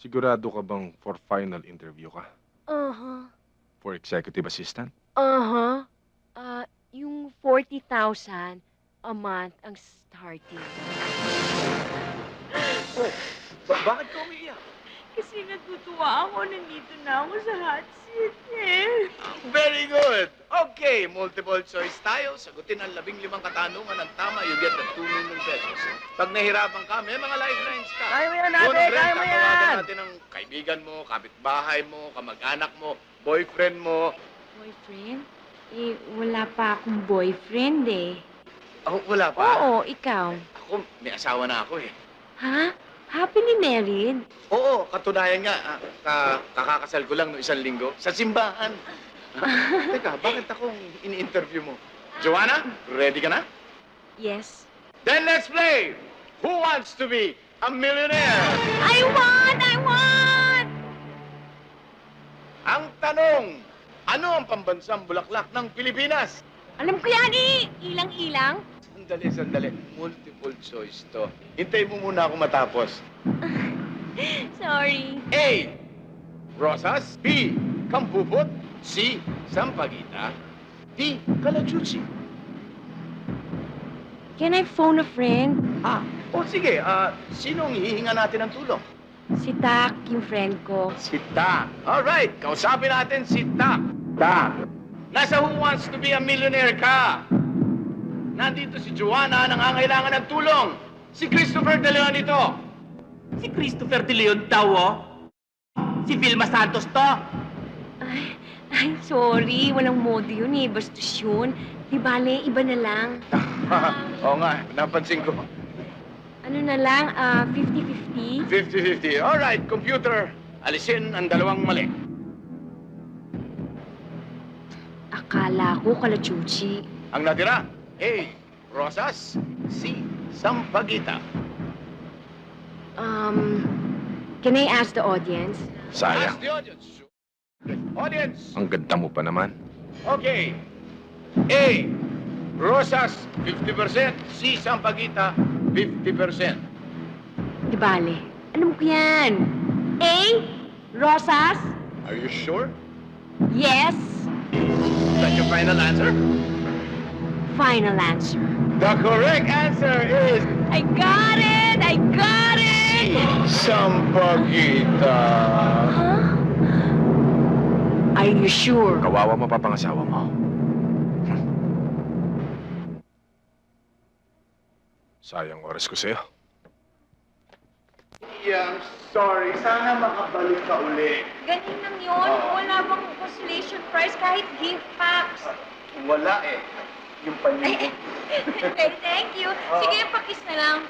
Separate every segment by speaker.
Speaker 1: Sigurado ka bang for final interview ka?
Speaker 2: Uh-huh.
Speaker 1: For executive assistant?
Speaker 2: Uh-huh. Yung 40,000 a month ang starting.
Speaker 1: Oh, bakit ka umiiyak?
Speaker 2: Kasi natutuwa ako, nandito na ako sa hot seat eh.
Speaker 3: Very good. Okay, multiple choice tayo. Sagutin ang 15 katanungan ng tama, you get the 2 million pesos. Pag nahirapan ka, may mga lifelines ka.
Speaker 4: Kaya mo yan, ate!
Speaker 3: Unang friend,
Speaker 4: Kaya mo yan!
Speaker 3: tatawagan natin ang kaibigan mo, kapitbahay mo, kamag-anak mo, boyfriend mo.
Speaker 2: Boyfriend? Eh, wala pa akong boyfriend eh.
Speaker 3: Oh, wala pa.
Speaker 2: Oo, ikaw.
Speaker 3: Ako, may asawa na ako eh.
Speaker 2: Ha? Happily married?
Speaker 3: Oo, katunayan nga. Kakakasal ko lang no 1 linggo sa simbahan. Teka, bakit akong ini-interview mo? Joanna, ready ka na?
Speaker 2: Yes.
Speaker 3: Then let's play! Who wants to be a millionaire?
Speaker 2: I want! I want!
Speaker 3: Ang tanong, ano ang pambansang bulaklak ng Pilipinas?
Speaker 2: Alam ko yan eh! Ilang-ilang?
Speaker 3: Sandali. Multiple choice to. Hintay mo muna ako matapos.
Speaker 2: Sorry.
Speaker 3: A. Rosas. B. Kampupot. C. Sampaguita. D. Kalachuchi.
Speaker 2: Can I phone a friend?
Speaker 3: Sige. Sinong hihinga natin ng tulong?
Speaker 2: Si Tak, yung friend ko.
Speaker 3: Si Tak. Alright, kausapin natin si Tak. Tak. Nasa Who Wants to be a Millionaire ka? Nandito si Joanna, nangangailangan ng tulong. Si Christopher De Leon ito.
Speaker 4: Si Christopher De Leon daw, oh. Si Vilma Santos to.
Speaker 2: Ay, sorry. Walang modo yun eh. Bastos yun. Di bale, iba na lang.
Speaker 3: Oo nga, napansin ko.
Speaker 2: Ano na lang, 50-50?
Speaker 3: 50-50. Alright, computer. Alisin ang dalawang mali.
Speaker 2: Akala ko kalachuchi.
Speaker 3: Ang natira, A. Rosas. C. Sampaguita.
Speaker 2: Can I ask the audience?
Speaker 1: Sayang.
Speaker 3: Ask the audience. Audience.
Speaker 1: Ang ganda mo pa naman.
Speaker 3: Okay. A. Rosas, 50%. C. Sampaguita, 50%.
Speaker 2: Di bale. Alam ko yan. A. Rosas?
Speaker 3: Are you sure?
Speaker 2: Yes.
Speaker 3: Is that your final answer?
Speaker 2: Final answer.
Speaker 3: The correct answer is
Speaker 2: I got it! I got it!
Speaker 3: Sampaguita.
Speaker 2: Huh? Are you sure?
Speaker 1: Kawawa mo pa pangasawa mo. Sayang oras ko sa'yo.
Speaker 3: Yeah, I'm sorry. Sana makabalik ka uli.
Speaker 2: Ganun lang yun. Wala bang consolation prize kahit gift packs?
Speaker 3: Wala eh. Yung panyo.
Speaker 2: Okay, thank you. Sige, pakis na lang.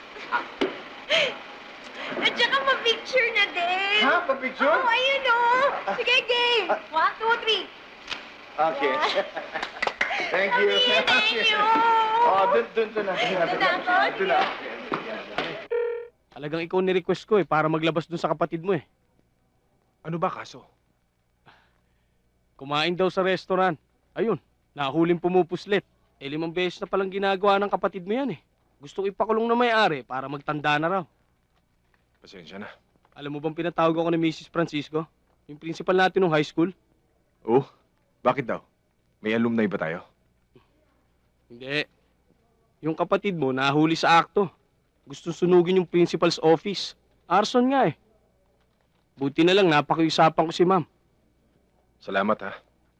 Speaker 2: At saka ma-picture na din.
Speaker 3: Ha? Pa-picture?
Speaker 2: Oo, ayun o. Sige, game. 1, 2, 3.
Speaker 3: Okay. Thank you.
Speaker 2: Thank you.
Speaker 3: Dun na. Dun na.
Speaker 4: Talagang ikaw ni-request ko eh, para maglabas dun sa kapatid mo eh.
Speaker 1: Ano ba kaso?
Speaker 4: Kumain daw sa restaurant. Ayun, nahuling pumupuslit. 5 beses na palang ginagawa ng kapatid mo yan eh. Gusto ko ipakulong na may-ari para magtanda na raw.
Speaker 1: Pasensya na.
Speaker 4: Alam mo bang pinatawag ako ni Mrs. Francisco? Yung principal natin ng high school?
Speaker 1: Oh, bakit daw? May alumni ba tayo?
Speaker 4: Hindi. Yung kapatid mo nahuli sa akto. Gusto sunugin yung principal's office. Arson nga eh. Buti na lang napakiusapan ko si ma'am.
Speaker 1: Salamat ha.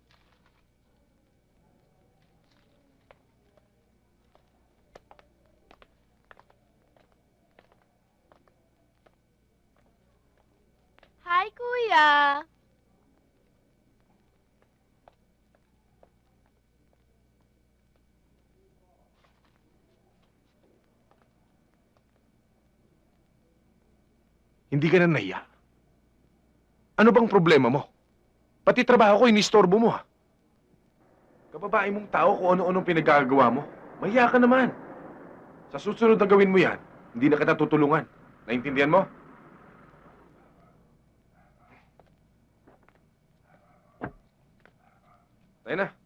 Speaker 2: Hi, Kuya.
Speaker 1: Hindi ka na nahiya. Ano bang problema mo? Pati trabaho ko, inistorbo mo ha. Kababae mong tao kung ano-anong pinagagawa mo. Mahiya ka naman. Sa susunod na gawin mo yan, hindi na kita tutulungan. Naintindihan mo? Tayo na.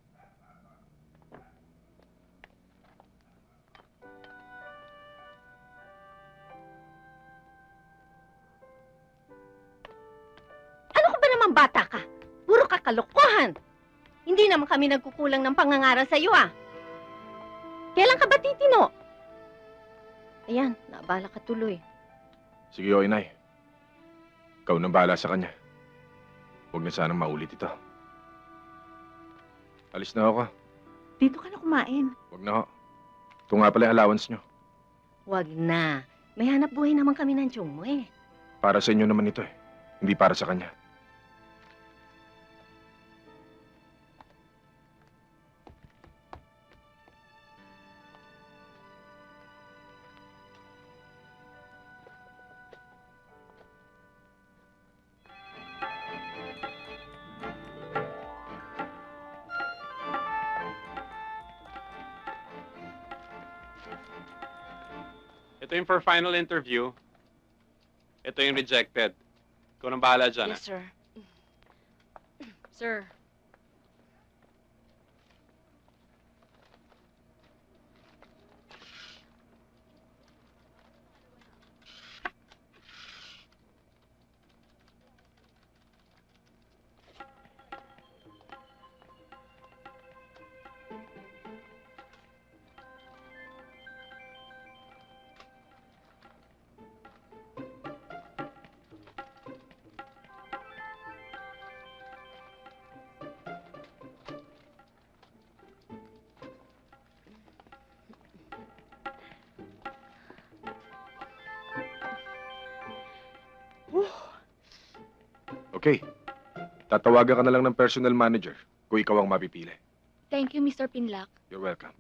Speaker 5: Mukhang bata ka. Puro ka kalokohan. Hindi naman kami nagkukulang ng pangangaral sa iyo, ah. Kailan ka ba titino? Ayan, naabala ka tuloy.
Speaker 1: Sige, o inay. Ikaw nang bahala sa kanya. Huwag na sanang maulit ito. Alis na ako.
Speaker 6: Dito ka na kumain.
Speaker 1: Huwag na ho. Ito nga pala yung allowance nyo.
Speaker 5: Wag na. May hanap buhay naman kami ng tiyong mo, eh.
Speaker 1: Para sa inyo naman ito eh. Hindi para sa kanya.
Speaker 7: Ito yung for final interview. Ito yung rejected. Ikaw nang bahala dyan,
Speaker 2: Yes, sir. Sir.
Speaker 1: Okay. Tatawagan ka na lang ng personal manager kung ikaw ang mapipili.
Speaker 2: Thank you, Mr. Pinlock.
Speaker 1: You're welcome.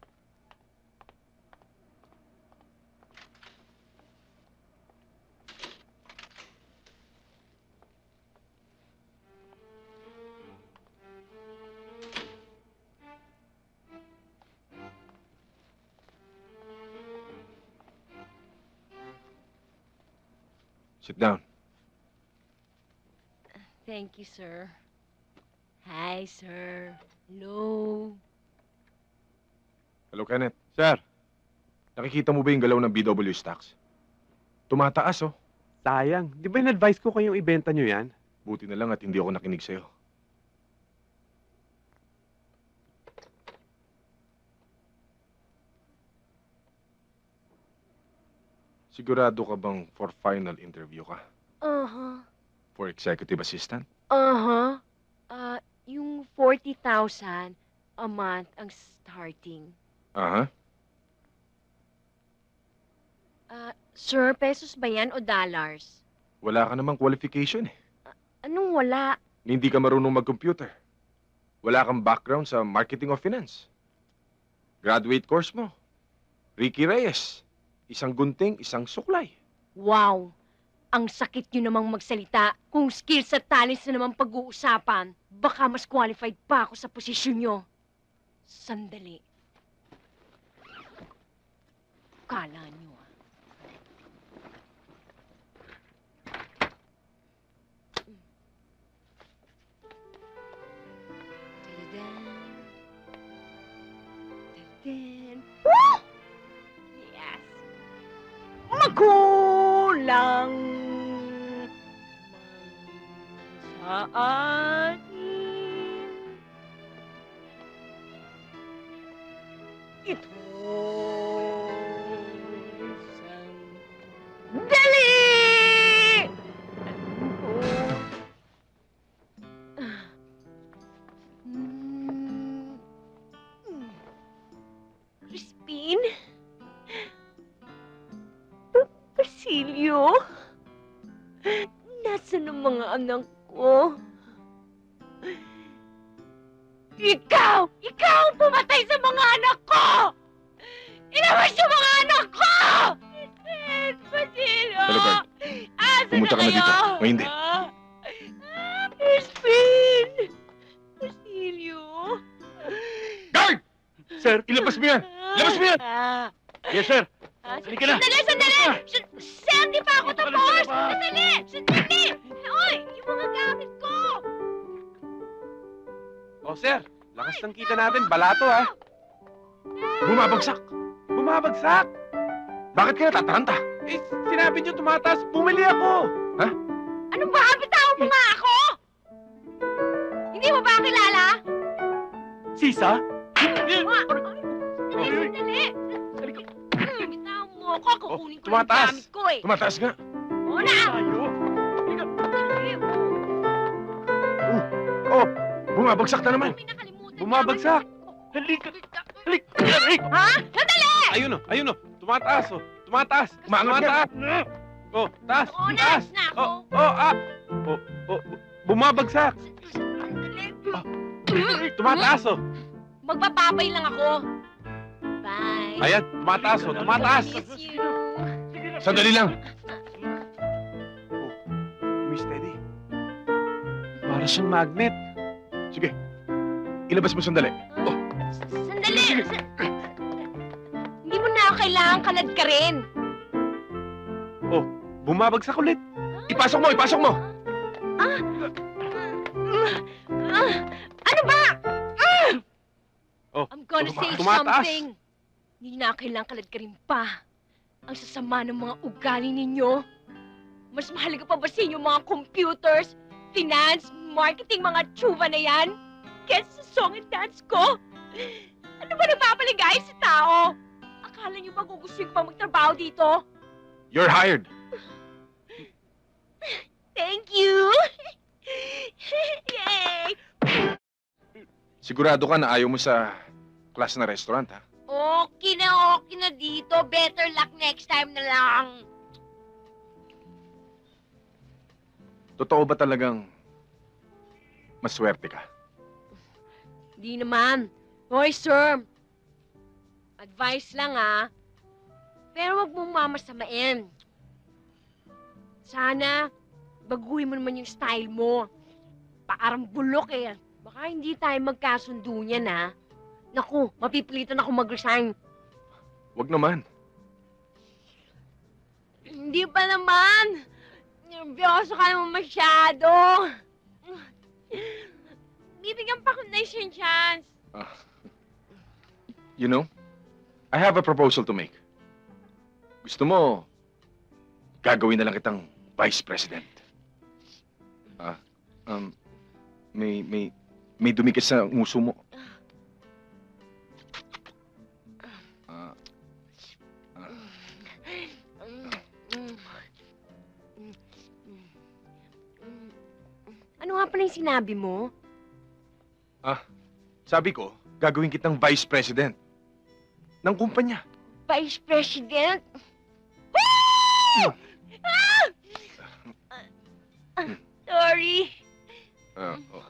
Speaker 1: Sit down.
Speaker 2: Thank you, sir. Hi, sir. Hello.
Speaker 1: Hello, Kenneth.
Speaker 4: Sir,
Speaker 1: Nakikita mo ba yung galaw ng BW stocks? Tumataas, oh.
Speaker 4: sayang. Di ba in-advise ko kayong ibenta nyo yan?
Speaker 1: Buti na lang at hindi ako nakinig sa'yo. Sigurado ka bang for final interview ka?
Speaker 2: Uh-huh.
Speaker 1: For executive assistant?
Speaker 2: Uh-huh. Yung 40,000 a month ang starting.
Speaker 1: Aha.
Speaker 2: Sir, pesos ba yan o dollars?
Speaker 1: Wala ka namang qualification eh.
Speaker 2: Anong wala?
Speaker 1: Hindi ka marunong mag-computer. Wala kang background sa marketing o finance. Graduate course mo. Ricky Reyes. Isang gunting, isang suklay.
Speaker 2: Wow! Ang sakit nyo namang magsalita. Kung skills at talents na naman pag-uusapan, baka mas qualified pa ako sa posisyon nyo. Sandali. Kala nyo, ah. Tadadam. Tadadam. Woo! Yes! Magulang man sa atin. Ito sandali! Crispin? Basilio? Nasaan ang mga anak ko? Ikaw! Ikaw ang pumatay sa mga anak ko! Inawas yung mga anak ko! Basilio!
Speaker 1: Hello, Bert.
Speaker 2: Asan
Speaker 1: Pumunta ka na
Speaker 2: kayo?
Speaker 1: dito. O hindi?
Speaker 2: Crispin! Basilio?
Speaker 1: Guard!
Speaker 4: Sir,
Speaker 1: Ilabas mo yan! Ilabas mo yan!
Speaker 4: yes sir.
Speaker 2: Halika na! Sandali! Sir, di pa ako tapos! Sandali! Uy! Yung mga gamit ko!
Speaker 4: Oh sir, lakas ng kita natin. Balato ha.
Speaker 1: Bumabagsak!
Speaker 4: Bumabagsak.
Speaker 1: Bakit ka natataranta?
Speaker 4: Eh, sinabi nyo tumataas. Bumili ako.
Speaker 2: Anong ba? Bitawan mo nga ako! nakakilala?
Speaker 1: Sisa?
Speaker 2: Dali, sandali. Bitaw mo ako, kukunin ko yung
Speaker 1: tumataas.
Speaker 2: gamit ko eh.
Speaker 1: Tumataas nga.
Speaker 2: Oo na!
Speaker 1: Oh, bumabagsak na naman.
Speaker 2: May nakalimutan
Speaker 4: Bumabagsak.
Speaker 2: Halika!
Speaker 1: Ha?
Speaker 2: Ha? Sandali!
Speaker 4: Ayun o. Tumataas o. Tumataas.
Speaker 1: Umangat ka.
Speaker 4: Tumataas. Oh, taas.
Speaker 2: Oo na,
Speaker 4: Taas.
Speaker 2: na ako.
Speaker 4: Bumabagsak.
Speaker 2: Sandali.
Speaker 4: Tumataas o.
Speaker 2: Magbababay lang ako. Bye.
Speaker 4: Ayan, tumataas o. Tumataas.
Speaker 2: Miss you.
Speaker 1: Sandali lang. Miss Teddy.
Speaker 4: Para siyang magnet.
Speaker 1: Sige. Ilabas mo sandali. Oh,
Speaker 2: Sandali! Hindi mo na ako kailangan kalad ka rin.
Speaker 4: Bumabagsak ulit.
Speaker 1: ipasok mo, ipasok mo.
Speaker 2: Ano ba?
Speaker 4: Oh,
Speaker 2: I'm gonna say
Speaker 4: tumataas.
Speaker 2: something. Hindi na kailangan kalad ka rin pa. Ang sasama ng mga ugali ninyo. Mas mahalaga pa ba sa inyo mga computers, finance, marketing, mga tsuba na yan? Kesa sa song and dance ko? Ano ba nagpapaligay sa tao? Akala niyo ba gugustuhin pa magtrabaho dito?
Speaker 1: You're hired.
Speaker 2: Thank you! Yay!
Speaker 1: Sigurado ka na ayaw mo sa class na restaurant, ha?
Speaker 2: Okay na dito. Better luck next time na lang.
Speaker 1: Totoo ba talagang maswerte ka?
Speaker 2: Di naman. Hoy, sir. Advice lang, ha? Pero wag mong mamasamain. Sana, baguhin mo naman yung style mo. Parang bulok eh. Baka hindi tayo magkasundo niyan, ha? Naku, mapipilitan ako mag-resign.
Speaker 1: Wag naman.
Speaker 2: Hindi pa naman. Nervyoso ka naman masyado. Bibigyan pa ko na isang chance.
Speaker 1: You know, I have a proposal to make. Gusto mo, gagawin na lang kitang vice president. May dumikit sa nguso mo.
Speaker 2: Ano nga pala yung sinabi mo?
Speaker 1: Sabi ko, gagawin kitang vice president ng kumpanya.
Speaker 2: Vice President? Woo! Sorry.
Speaker 1: Oo.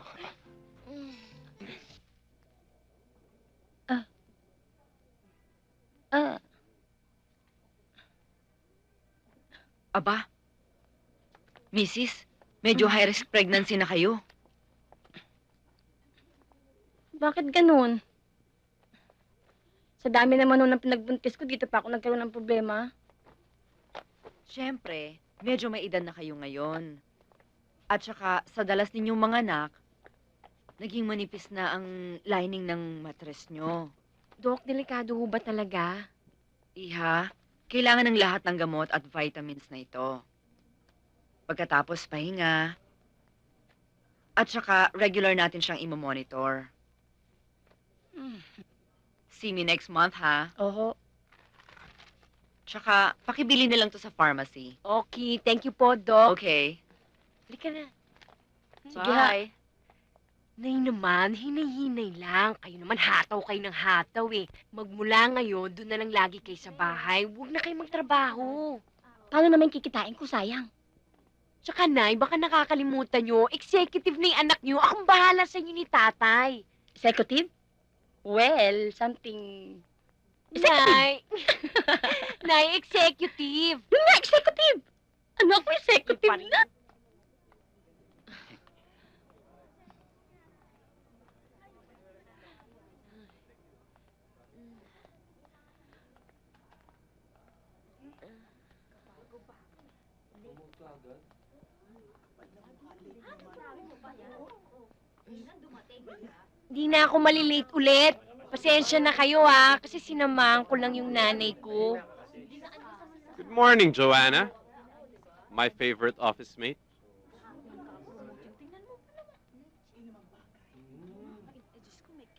Speaker 8: Aba, Mrs., medyo high-risk pregnancy na kayo.
Speaker 5: Bakit ganun? Sa dami naman nung pinagbuntis ko, dito pa ako nagkaroon ng problema.
Speaker 8: Siyempre, medyo may edad na kayo ngayon. At saka, sa dalas ninyong mga anak, naging manipis na ang lining ng matres nyo.
Speaker 2: Dok, delikado ho ba talaga?
Speaker 8: Iha, kailangan ng lahat ng gamot at vitamins na ito. Pagkatapos, pahinga. At saka, regular natin siyang imomonitor. See me next month, ha?
Speaker 5: Oho.
Speaker 8: Tsaka, pakibili na lang to sa pharmacy.
Speaker 2: Okay, thank you po, Doc.
Speaker 8: Okay.
Speaker 2: Halika na.
Speaker 5: Sige, ha.
Speaker 8: Bye.
Speaker 2: Nay naman, hinay-hinay lang. Kayo naman hataw kayo ng hataw eh. Magmula ngayon, doon na lang lagi kayo sa bahay. Huwag na kayo magtrabaho.
Speaker 5: Paano naman kikitain ko, sayang?
Speaker 2: Tsaka, Nay, baka nakakalimutan nyo, executive na yung anak nyo. Akong bahala sa inyo ni tatay.
Speaker 5: Executive? Well, something...
Speaker 2: Nay! Nay, executive!
Speaker 5: Yun nga, executive! Ano ako executive
Speaker 2: Yung
Speaker 5: na?
Speaker 2: Di na ako malilate ulit. Pasensya na kayo kasi sinamahan ko lang yung nanay ko.
Speaker 7: Good morning, Joanna. My favorite office mate.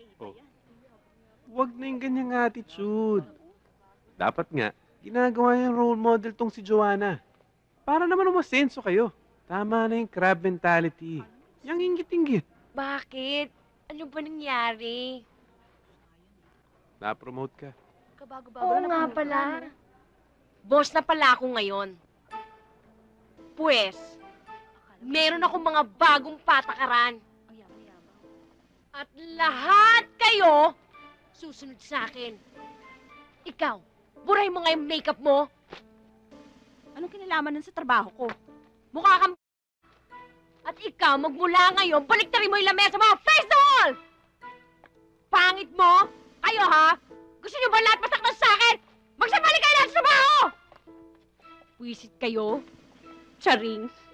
Speaker 4: Oh. Huwag na yung ganyang attitude. Dapat nga, ginagawa yung role model tong si Joanna. Para naman umasenso kayo. Tama na yung crab mentality. Yang inggit-inggit.
Speaker 2: Bakit? Ano ba nangyari?
Speaker 4: Na-promote ka.
Speaker 2: Oo nga pala. Boss na pala ako ngayon. Pues, meron akong mga bagong patakaran. At lahat kayo susunod sa akin. Ikaw, buray mo nga yung makeup mo.
Speaker 6: Anong kinalaman nun sa trabaho ko?
Speaker 2: Mukha kang At ikaw, magmula ngayon, baliktarin mo yung lamesa mo! Face the wall! Pangit mo? Kayo ha? Gusto niyo ba lahat masaktan sa akin? Magsabali kayo lahat sa trabaho! Wisit kayo? Charing.